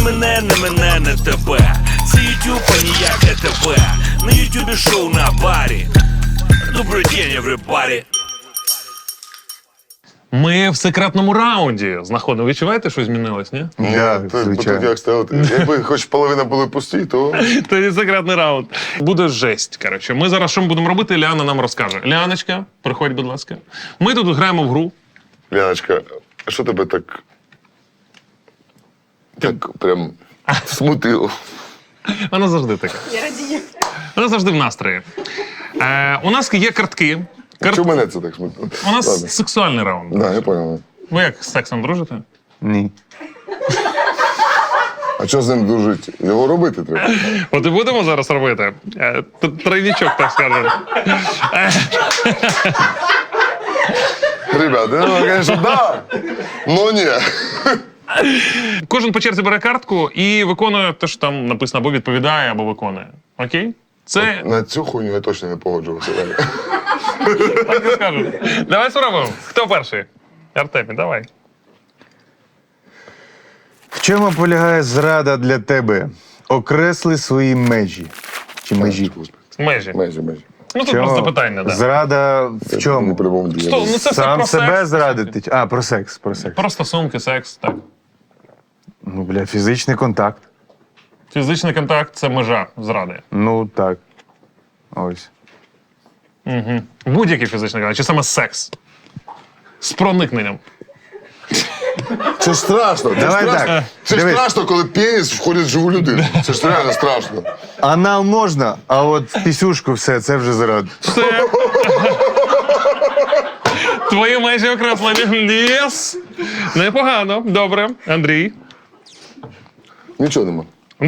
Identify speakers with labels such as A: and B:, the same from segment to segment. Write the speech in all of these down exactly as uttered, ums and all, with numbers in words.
A: мене, не мене, не тебе. Це ютуб, а ніяк не тебе. На ютубі шоу на барі. Добрий день, everybody.
B: Ми в секретному раунді знаходимо. Відчуваєте, що змінилось, ні?
C: Ні,
D: Да,
C: тут,
D: звичайно.
C: тут як стояти. Якби хоч половина були пусті, то
B: Тоді секретний раунд. Буде жесть, коротше. Ми зараз що ми будемо робити, Ліана нам розкаже. Ліаночка, приходь, будь ласка. Ми тут граємо в гру.
C: Ляночка, а що тебе так. Так прям смутило?
B: Вона завжди така.
E: Я радію.
B: Вона завжди в настрої. Е, у нас є картки. Карт...
C: Чому мене це так смутило?
B: У нас
C: Ладно.
B: сексуальний раунд.
C: Да, я понял.
B: Ви як з сексом дружите?
D: Ні.
C: А що з ним дружити? Його робити треба.
B: От і будемо зараз робити. Е, т- Тройнічок, так скажемо.
C: Ребята, ну, звісно, да. Ну ні.
B: Кожен по черзі бере картку і виконує те, що там написано, або відповідає, або виконує. Окей? Це
C: На цю хуйню я точно не погоджувався.
B: так і скажу. Давай спробуємо. Хто перший? Артемій, давай.
D: В чому полягає зрада для тебе? Окресли свої межі. Чи межі?
B: Межі.
C: Межі, межі.
B: Ну тут
D: Чому?
B: просто питання, да.
D: Зрада в
C: Не
D: чому?
C: по-любому
B: Сто-
C: діяти.
B: ну це все
D: Сам
B: про
D: себе
B: секс.
D: зрадити? А, про секс, про секс.
B: Про стосунки, секс, так.
D: Ну, бля, фізичний контакт.
B: Фізичний контакт – це межа зради.
D: Ну, так. Ось.
B: Угу. Будь-який фізичний контакт, чи саме секс. З проникненням.
C: Це ж страшно. Це
D: Давай
C: ж страшно.
D: так.
C: Це ж
D: Дивись.
C: страшно, коли пеніс входить в живу людину. Це ж реально страшно.
D: Анал можна, а от в пісюшку все, це вже зрада.
B: Все. Твої межі окреслені. Єс! Непогано. Добре. Андрій.
C: Нічого нема.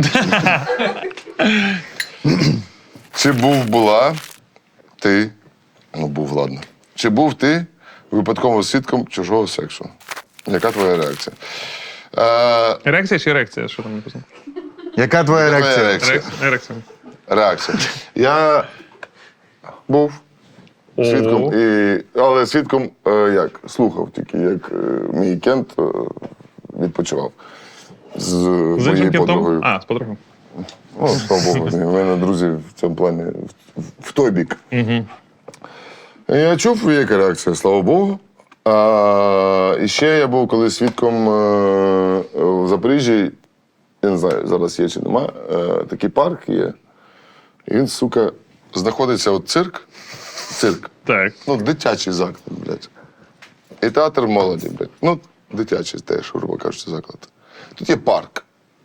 C: Чи був була ти, ну був, ладно. Чи був ти випадковим свідком чужого сексу? Яка твоя реакція? Е,
B: Ерекція чи ерекція? Що там написано?
D: Яка твоя
C: Твоя
D: реакція?
C: реакція.
B: Ерек- Ерекція.
C: реакція. Я був свідком, і, але свідком е, як? Слухав тільки, як е, мій кент е, відпочивав з,
B: З
C: моєю
B: іншим кентом?
C: подругою.
B: А, з подругою.
C: О, слава Богу, у мене друзі в цьому плані в, в той бік.
B: Угу.
C: Я чув, яка реакція, слава Богу. А, і ще я був коли свідком е, в Запоріжжі, я не знаю, зараз є чи нема, е, такий парк є. І він, сука, знаходиться от цирк, цирк,
B: Так.
C: ну, дитячий заклад, блядь. І театр молоді, блядь. Ну, дитячий теж, грубо кажучи, заклад. Тут є парк.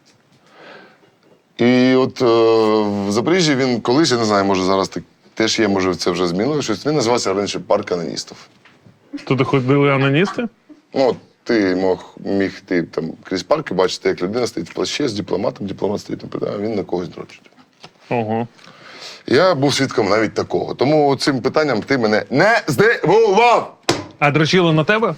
C: І от е, в Запоріжжі він колись, я не знаю, може зараз так, теж є, може це вже змінило щось. Він називався раніше парк аноністів.
B: Туди ходили аноністи?
C: Ну, от ти мог, міг ти там крізь парк і бачити, як людина стоїть в плаще з дипломатом, дипломат стоїть там, а він на когось дрочить.
B: Ого.
C: Я був свідком навіть такого. Тому цим питанням ти мене не здивував!
B: А дрочили на тебе?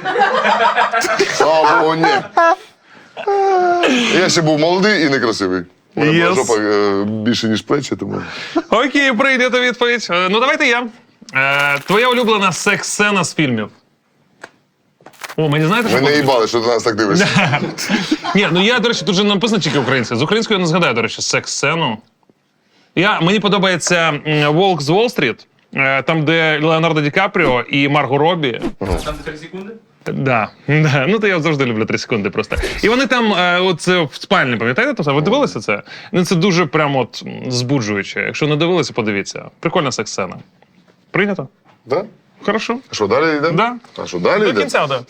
C: Слава Богу, ні. Я ще був молодий і некрасивий. У мене була
B: Yes.
C: жопа е, більше, ніж плечі, тому.
B: Окей, прийдете відповідь. Е, Ну, давайте я. Е, твоя улюблена секс-сцена з фільмів. О, мені знаєте, що...
C: Ми не їбали, що ти нас так дивишся.
B: Ні, ну я, до речі, тут же написано тільки українською. З українською я не згадаю, до речі, секс-сцену. Я, мені подобається м, «Волк з Уолл-стріт», е, там, де Леонардо Ді Капріо і Марго Робі.
F: Там три секунди?
B: Да, да. Ну то я завжди люблю три секунди просто. І вони там, е, от е, в спальні, пам'ятаєте? Ви дивилися це? Ну це дуже прям от м, збуджуюче. Якщо не дивилися, подивіться. Прикольна секс-сцена. Прийнято?
C: Да?
B: Хорошо.
C: А що, далі йдемо?
B: Да.
C: А що, далі
B: До
C: йдемо?
B: кінця, да.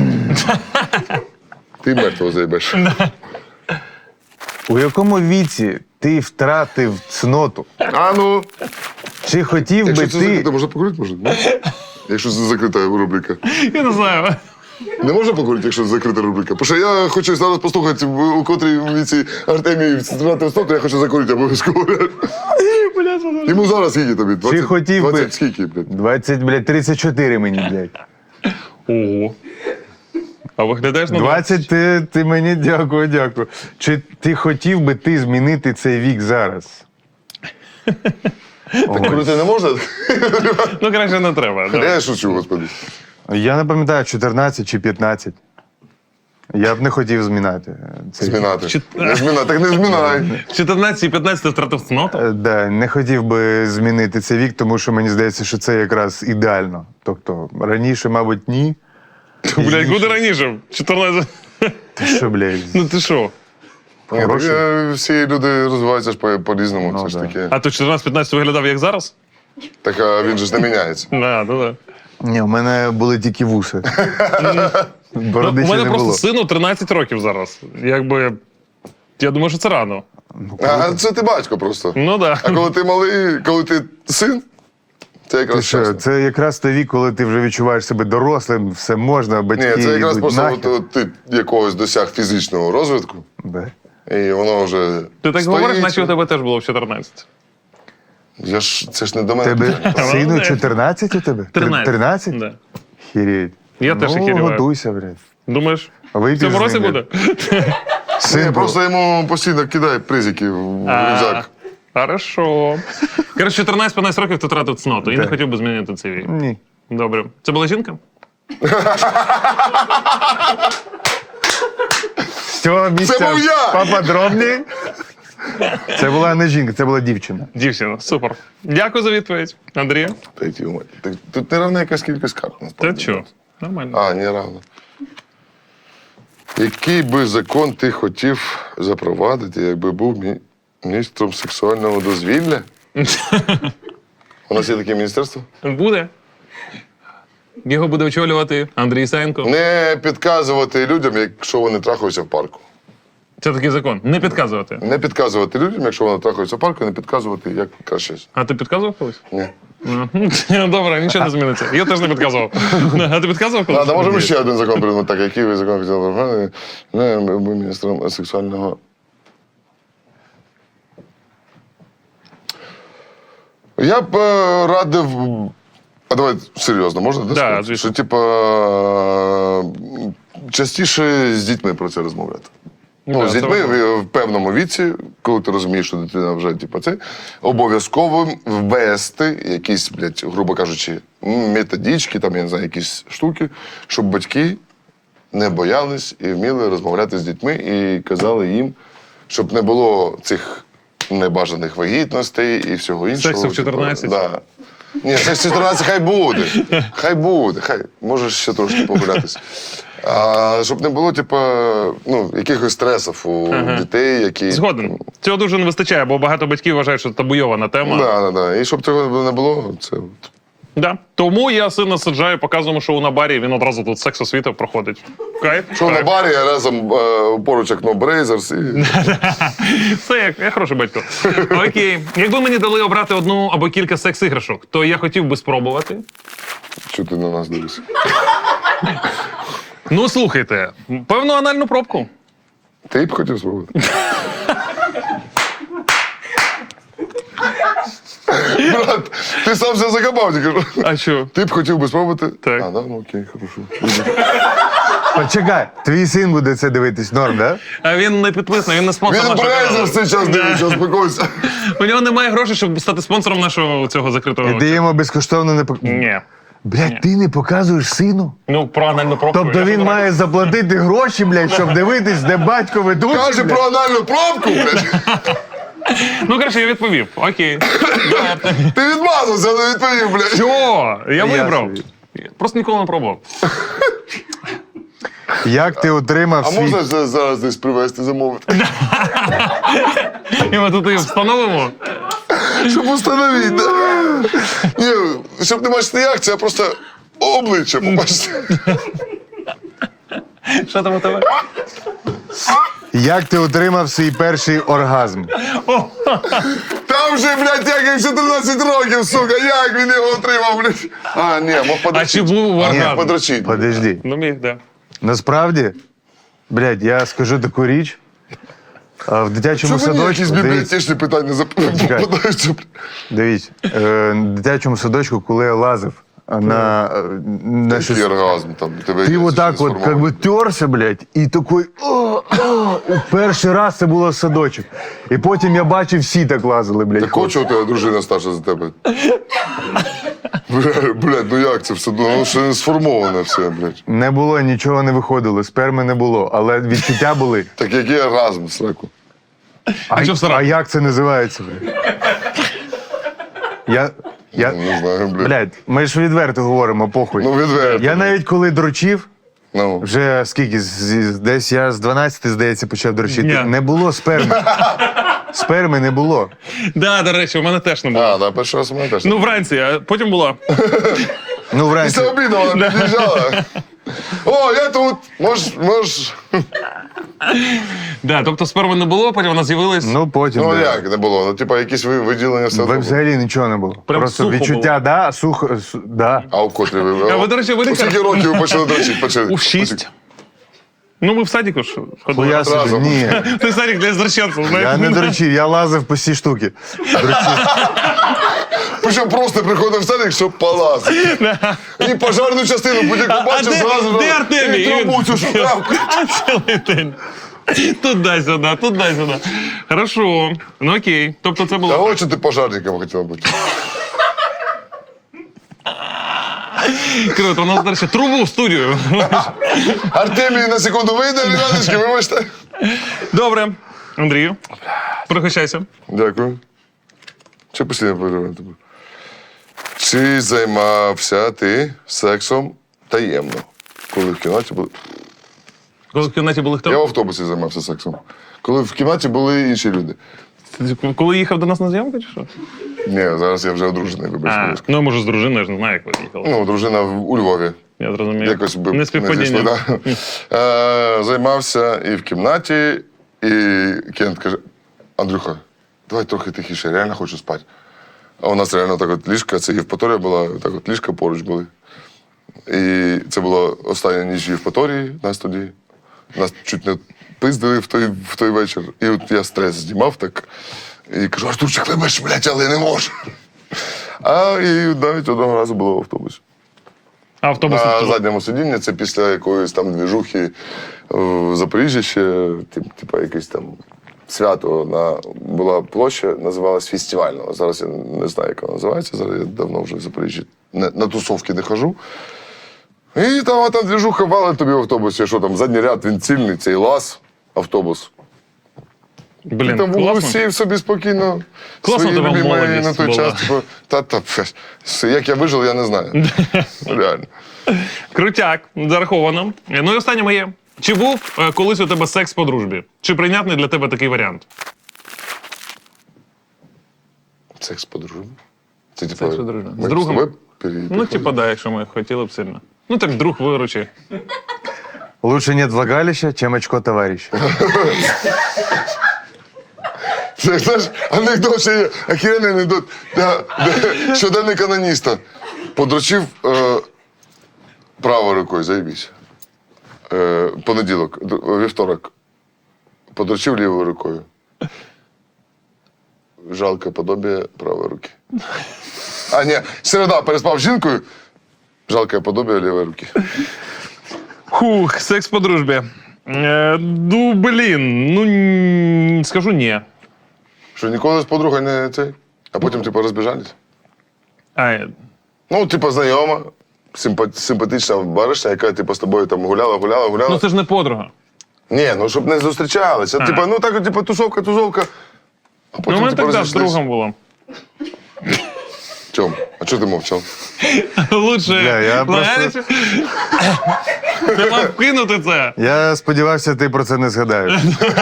C: Ти мертвого заїбеш.
D: У якому віці ти втратив цноту?
C: А ну,
D: Чи хотів
C: якщо
D: би
C: це
D: ти...
C: закрито, можна покурити, може? Ні? Якщо це закрита рубрика.
B: Я не знаю.
C: Не можна покурити, якщо це закрита рубрика? Бо що я хочу зараз послухати, в- у котрій віці Артемій втратив цноту, я хочу закурити обов'язково. Йому зараз скільки тобі? двадцять,
D: хотів би-
C: двадцять скільки, блядь?
D: двадцять, блядь, тридцять чотири мені, блядь.
B: Ого. А виглядаєш на
D: двадцять, ти, ти мені дякую, дякую. Чи ти хотів би ти змінити цей вік зараз?
C: Так курити не можна?
B: Ну, краще не треба. Да.
C: Я шучу, господи.
D: Я не пам'ятаю, чотирнадцять чи п'ятнадцять. Я б не хотів змінати. Це...
C: Змінати.
B: Чи-
C: Не змінати, так не змінай.
B: В чотирнадцять п'ятнадцять втратив цноту?
D: Е, Да, не хотів би змінити цей вік, тому що мені здається, що це якраз ідеально. Тобто раніше, мабуть, ні.
B: Блядь, куди раніше? чотирнадцять.
D: Ти що, блядь?
B: Ну ти що?
C: Ні, так,
D: Хороший.
C: е, всі люди розвиваються ж по- по-різному.
D: Ну,
C: Це ж
D: да.
C: таке.
B: А то чотирнадцять п'ятнадцять виглядав як зараз?
C: Так а він же ж не міняється.
B: Да, ну да.
D: Ні, у мене були тільки вуси.
B: Ну,
D: Бороди
B: у
D: ще
B: мене
D: не
B: просто
D: було.
B: сину тринадцять років зараз. Якби. Я думаю, що це рано.
C: А це ти батько просто.
B: Ну да.
C: А коли ти малий, коли ти син, це
D: Ти
C: якраз
D: що,
C: чесно.
D: це якраз той вік, коли ти вже відчуваєш себе дорослим, все можна, батьки
C: Ні, це якраз
D: йдуть
C: просто
D: нахер.
C: от, от ти якогось досяг фізичного розвитку,
D: Да.
C: і воно вже.
B: Ти так
C: стоїть.
B: говориш, наче у тебе теж було в чотирнадцять.
C: Я ж це ж не до мене.
D: Тебе сину
B: Молодець.
D: чотирнадцять у тебе?
B: тринадцять.
D: тринадцять?
B: Да.
D: Хіріть.
B: Я теж
D: ну,
B: охеріваю.
D: готуйся, блядь.
B: Думаєш?
D: Вип'єш
B: В цьому
D: з
B: році
D: ним,
B: буде?
D: Син
C: Ні,
D: був.
C: просто йому постійно кидає призики в
B: А,
C: рюкзак.
B: Хорошо. Коротше, чотирнадцять п'ятнадцять років ти втратив цноту і не
D: Так.
B: хотів би змінити цей вік.
D: Ні.
B: Добре. Це була жінка?
D: З цього місця
C: був я!
D: поподробні. Це була не жінка, це була дівчина.
B: Дівчина. Супер. Дякую за відповідь. Андрія?
C: Та й ті, мать. Так тут не равна якась кількість карт.
B: Та
C: насправді.
B: що? Нормально.
C: А, не равно. Який би закон ти хотів запровадити, якби був мі- міністром сексуального дозвілля? У нас є таке міністерство?
B: Буде. Його буде очолювати Андрій Саєнко.
C: Не підказувати людям, якщо вони трахаються в парку.
B: Це такий закон. Не підказувати.
C: Не підказувати людям, якщо вони трахаються в парку, не підказувати, як краще.
B: А ти підказував колись?
C: Ні.
B: Ну, добре, нічого не зміниться. Я теж не підказував. А ти підказував колись?
C: А, да можемо ще один закон придумати. Так, який ви закон хотіли запровадити? Не, був міністром сексуального. Я б е, радив. А давай серйозно, можна?
B: Да,
C: сказати?
B: звісно.
C: Що, типа, е, частіше з дітьми про це розмовляти. Ну,
B: Да,
C: з
B: це
C: дітьми
B: важливо.
C: в, в певному віці, коли ти розумієш, що дитина вже типу, це, обов'язково ввести якісь, блядь, грубо кажучи, методички, там, я не знаю, якісь штуки, щоб батьки не боялись і вміли розмовляти з дітьми і казали їм, щоб не було цих небажаних вагітностей і всього іншого.
B: Сексу в чотирнадцять?
C: Типу, да. Ні, секс в чотирнадцять хай буде. Хай буде, хай. Можеш ще трошки погулятися. А, щоб не було, типу, ну, якихось стресів у
B: Ага.
C: дітей, які.
B: Згоден. Цього дуже не вистачає, бо багато батьків вважають, що це табуйована тема.
C: Да, да, да. І щоб цього не було, це. от.
B: Да. Тому я сина саджаю, показуємо шоу на барі, він одразу тут секс освіти проходить. Кайф?
C: Що на
B: Кайф.
C: барі, я разом е, поруч як No Brazers і.
B: Це як, я хороший батько. Окей. Якби мені дали обрати одну або кілька секс-іграшок, то я хотів би спробувати.
C: Що ти на нас дивишся?
B: Ну, слухайте, певну анальну пробку.
C: Ти б хотів спробувати? Брат, ти сам все закопав, тільки що.
B: А що?
C: Ти б хотів би спробувати?
B: Так.
C: А, да? Ну окей, хорошо.
D: Почекай, твій син буде це дивитись, норм, да?
B: А він не підписаний, він не спонсор
C: Він
B: нашого
C: Brazers
B: каналу.
C: цей час дивиться, успокойся.
B: У нього немає грошей, щоб стати спонсором нашого цього закритого.
D: І ти йому безкоштовно не пок...
B: Ні.
D: Блядь, ти не показуєш сину?
B: Ну, про анальну пробку.
D: Тобто
B: я
D: він
B: ж
D: має заплатити гроші, блядь, щоб дивитись, де батько ведучий,
C: Каже
D: блядь?
C: про анальну пробку, блядь.
B: Ну, коротше, я відповів. Окей.
C: Ти відмазався, не відповів, блядь.
B: Що? Я вибрав.
D: собі.
B: Просто ніколи не пробував.
D: Як ти отримав
C: А
D: свій...
C: можна за- зараз десь привезти, замовити?
B: І ми тут і встановимо.
C: Щоб установити, да? Ні, щоб не бачити як, це просто обличчя побачити.
B: Що там у тебе?
D: Як ти отримав свій перший оргазм?
C: Там же, блядь, як і в чотирнадцять років, сука, як він його отримав, блядь. А, ні, мог
B: А чи
C: подрочити.
B: був
C: Ні,
B: оргазм?
C: подрочити.
D: Подожди.
B: Ну, міг, да.
D: Насправді, блядь, я скажу таку річ. А в дитячому
C: Чому мені якісь
D: садочку, дивіться,
C: бібліотечні питання зап- попадаються, блядь?
D: дивіться, е, в дитячому садочку, коли я лазив на, е, на щось,
C: Який оргазм там, тебе
D: ти
C: є
D: вот так
C: щось
D: от как бы терся, блядь, і такий, о, о, і перший раз це було в садочок. І потім я бачив, всі так лазили, блядь.
C: Так хоче у тебе дружина старша за тебе? Блядь, блядь, ну як це все? Ну, воно ще не сформоване все, блядь.
D: Не було, нічого не виходило, сперми не було, але відчуття були.
C: Так який оргазм, сраку?
D: А,
B: що в сраку?
D: а як це називається, блядь? Я, я,
C: Не знаю, блядь.
D: блядь, ми ж відверто говоримо, похуй.
C: Ну, відверто.
D: Я навіть коли дрочив,
C: Ну.
D: вже скільки, з- з- десь я з дванадцяти, здається, почав дрочити.
B: Ні.
D: Не було сперми. Сперми не було.
B: Да, до речі, у мене теж не було.
C: А, да, перший раз у мене теж.
B: Ну, вранці, а потім було.
D: Ну, вранці.
C: Після обіду вона під'їжджала. О, я тут, можеш, можеш.
B: Да, тобто сперми не було, потім вона з'явилась.
D: Ну, потім.
C: Ну
D: да.
C: як не було? Ну, типа, якісь ви- виділення все
D: Ви
C: одно.
D: взагалі нічого не було.
B: Прям
D: Просто
B: сухо
D: відчуття, да, сухо, су- да.
C: А у котрі ви?
B: А ви, до речі, ви
C: У
B: не
C: скільки років ви почали дрочити? Почали?
B: У шість. Ну, ми в садіку ж ходили.
D: Хуя собі,
C: разом.
D: ні.
B: Ти садик для зрощенців, знаєш?
D: Я не дрочив, я лазив по всі штуки. Дрочив.
C: Причому просто приходив в садик, щоб палати. І пожарну частину будь-яку
B: А
C: бачив,
B: де-
C: зразу.
B: де Артемій?
C: І трубу цю шукав.
B: Цілий день. Туди-сюди, туди-сюди. Хорошо. Ну окей. Тобто це
C: Та
B: було.
C: от що ти пожарником хотів бути.
B: Круто, у нас далі трубу в студію.
C: Артемій на секунду вийде, ребяточки, вибачте.
B: Добре. Андрію, пригощайся.
C: Дякую. Чи постійно переживаю тебе? Чи займався ти сексом таємно, коли в кімнаті були.
B: Коли в кімнаті були
C: Я в
B: хто?
C: автобусі займався сексом. Коли в кімнаті були інші люди.
B: Коли їхав до нас на зйомку, чи що?
C: Ні, зараз я вже одружений, вибач,
B: А,
C: будь
B: ну, може, з дружиною, я ж не знаю, як ви їхали.
C: Ну, дружина в- у Львові.
B: Я зрозумів.
C: Якось би
B: Не співпадіння.
C: зійшли, да. Е, Займався і в кімнаті, і Кент каже: Андрюха, давай трохи тихіше, я реально хочу спати. А у нас реально так от ліжка, це Євпаторія була, так от ліжка поруч були. І це була остання ніч в Євпаторії нас тоді. Нас чуть не пиздили в той, в той вечір. І от я стрес знімав так. І кажу: Артурчик, вибач, блядь, але не можу. А і навіть одного разу було в автобусі.
B: А автобус
C: На
B: не
C: задньому сидінні це після якоїсь там двіжухи в Запоріжжі ще, тип, типа якесь там свято на була площа, називалась Фестивального. Зараз я не знаю, як вона називається. Зараз я давно вже в Запоріжжі на, на тусовки не хожу. І там, а там двіжуха вали тобі в автобусі, що там задній ряд, він цільний, цей лаз, автобус.
B: Блін,
C: І там
B: класно.
C: сів собі спокійно.
B: Класно
C: свої
B: тебе
C: любимі
B: молодість
C: на той
B: була.
C: час. Типу, та, та, пф, як я вижив, я не знаю. Реально.
B: Крутяк, зараховано. Ну і останнє моє. Чи був е, колись у тебе секс по дружбі? Чи прийнятний для тебе такий варіант?
C: Секс по дружбі? Це типу.
B: Секс по дружбі.
C: ми
B: З другом?
C: тобою пере-
B: Ну, типа, да, якщо ми хотіли б сильно. Ну так друг виручи.
D: Лучше нет влагалища, чем очко товарища.
C: Це, знаєш, анекдот ще є, охеренний анекдот. Да, да, щоденник аноніста. Подрочив е, правою рукою, заєбісь. Е, понеділок, д- вівторок. Подрочив лівою рукою. Жалке подобие правої руки. А, ні, середа переспав з жінкою. Жалке подобие лівої руки.
B: Хух, секс по дружбі. Е, ну, блін, ну н- скажу ні.
C: Що ніколи з подругою не цей, а потім, типу, розбіжались.
B: А, е,
C: Ну, типу, знайома, симпа- симпатична баришня, яка, типу, з тобою там гуляла, гуляла, гуляла.
B: ну це ж не подруга.
C: Ні, ну щоб не зустрічалися.
B: А.
C: Типу, ну так, от, типу, тусовка, тусовка. А потім,
B: Ну, ми
C: типу,
B: так да, з
C: розійшлись.
B: другом було.
C: Тьом, а чого ти мовчав?
B: Лучше.
D: Бля, я
B: знаєш, ти мав кинути це.
D: Я сподівався, ти про це не згадаєш.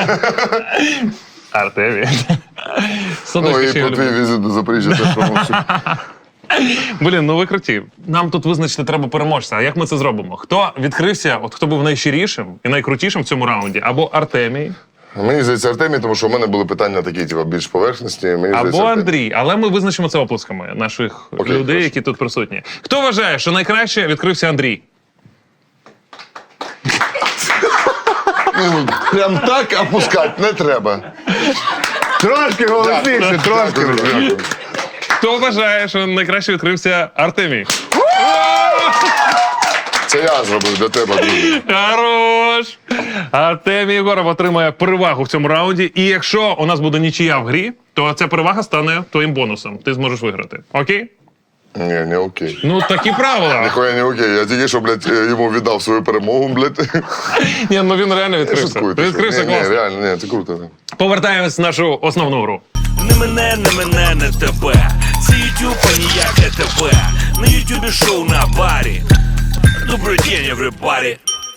B: Артемій.
C: Ну,
B: Садочки
C: і
B: ще
C: про
B: люблю.
C: твій візит до Запоріжжя теж промовчу.
B: Блін, ну ви круті. Нам тут визначити треба переможця. А як ми це зробимо? Хто відкрився, от хто був найщирішим і найкрутішим в цьому раунді? Або Артемій,
C: Мені здається, Артемій, тому що в мене були питання такі, типу, більш поверхності. Мені здається,
B: або
C: Артемій.
B: Андрій. Але ми визначимо це оплесками наших
C: Окей,
B: людей,
C: хорошо.
B: які тут присутні. Хто вважає, що найкраще відкрився Андрій?
C: Ну, прям так опускати не треба.
D: Трошки голосніше, трошки.
C: Дякую, дякую.
B: Хто вважає, що найкраще відкрився Артемій?
C: Це я зробив для тебе, друзі.
B: Хорош! Артемій Єгоров отримає перевагу в цьому раунді. І якщо у нас буде нічия в грі, то ця перевага стане твоїм бонусом. Ти зможеш виграти. Окей?
C: Ні, не окей.
B: Ну, такі правила.
C: Ніхуя не окей. Я тільки що, блядь, йому віддав свою перемогу, блядь.
B: Ні, ну він реально відкрився.
C: Шуткую,
B: Ти відкрився
C: ні, ні,
B: класно.
C: реально, ні, це круто. так.
B: Повертаємось в нашу основну гру.
A: Не мене, не мене, не тебе. Це ютуб, а ніяке тебе. На ютубі шоу на барі. Добрий день, everybody.